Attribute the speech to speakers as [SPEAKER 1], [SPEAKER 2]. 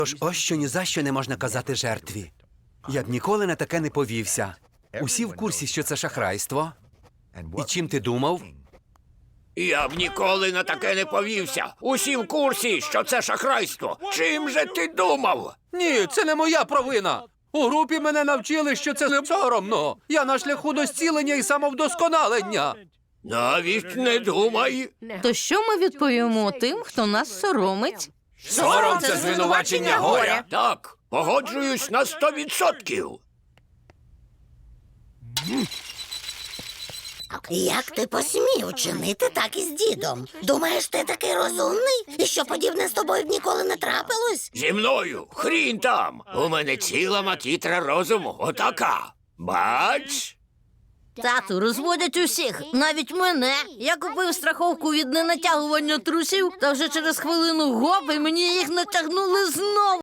[SPEAKER 1] Тож ось що ні за що не можна казати жертві. Я б ніколи на таке не повівся. Усі в курсі, що це шахрайство. І чим ти думав?
[SPEAKER 2] Я б ніколи на таке не повівся. Усі в курсі, що це шахрайство. Чим же ти думав?
[SPEAKER 1] Ні, це не моя провина. У групі мене навчили, що це не соромно. Я на шляху до зцілення і самовдосконалення.
[SPEAKER 2] Навіть не думай.
[SPEAKER 3] То що ми відповімо тим, хто нас соромить?
[SPEAKER 1] Сором – це звинувачення горя.
[SPEAKER 2] Так, погоджуюсь на 100%.
[SPEAKER 4] Як ти посмів чинити так із дідом? Думаєш, ти такий розумний? І що подібне з тобою б ніколи не трапилось?
[SPEAKER 2] Зі мною хрін там. У мене ціла макітра розуму. Отака. Бач?
[SPEAKER 3] Тату, розводять усіх, навіть мене. Я купив страховку від ненатягування трусів, та вже через хвилину гоп, і мені їх натягнули знову.